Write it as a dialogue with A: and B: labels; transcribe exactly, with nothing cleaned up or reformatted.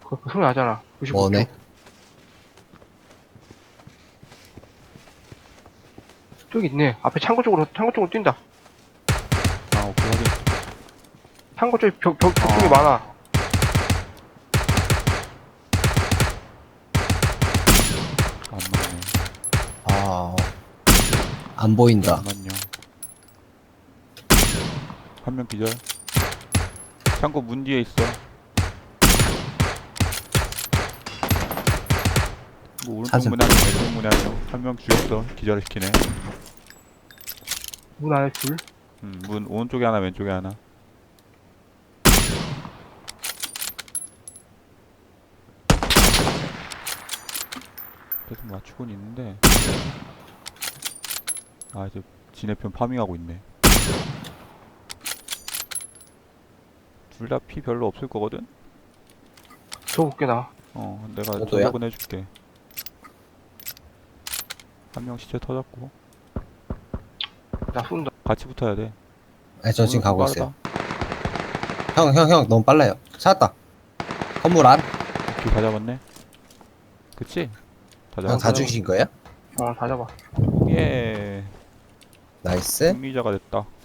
A: 그, 그 소리 나잖아. 구십오 초.
B: 뭐네?
A: 저기 있네. 앞에 창고 쪽으로, 창고 쪽으로 뛴다.
C: 아, 오케이, 확인.
A: 창고 쪽에 벽, 벽, 벽 쪽에
C: 어.
A: 많아.
C: 안 맞네.
B: 아, 안 보인다.
C: 잠깐만요. 한 명 기절. 창고 문 뒤에 있어. 뭐 오른쪽
B: 사슴.
C: 문에 한 명, 왼쪽 문에 한 명. 한 명 죽였어. 기절시키네.
A: 문 안에 둘.
C: 음, 문 오른쪽에 하나, 왼쪽에 하나. 계속 맞추곤 있는데. 아, 이제 지네편 파밍하고 있네. 둘 다 피 별로 없을 거거든?
A: 저 볼게, 나.
C: 어, 내가
B: 저도요?
C: 저격은 해줄게. 한 명 시체 터졌고.
A: 나 쏜다.
C: 같이 붙어야 돼.
B: 아니, 저 지금
C: 오늘 좀
B: 가고
C: 빠르다.
B: 있어요. 형, 형, 형, 너무 빨라요. 찾았다. 건물 안?
C: 오케이, 다 잡았네. 그치? 다
B: 형,
C: 잡았어.
B: 다 죽이신 거예요?
A: 어, 다 잡아.
C: 예.
B: 나이스.
C: 승리자가 됐다.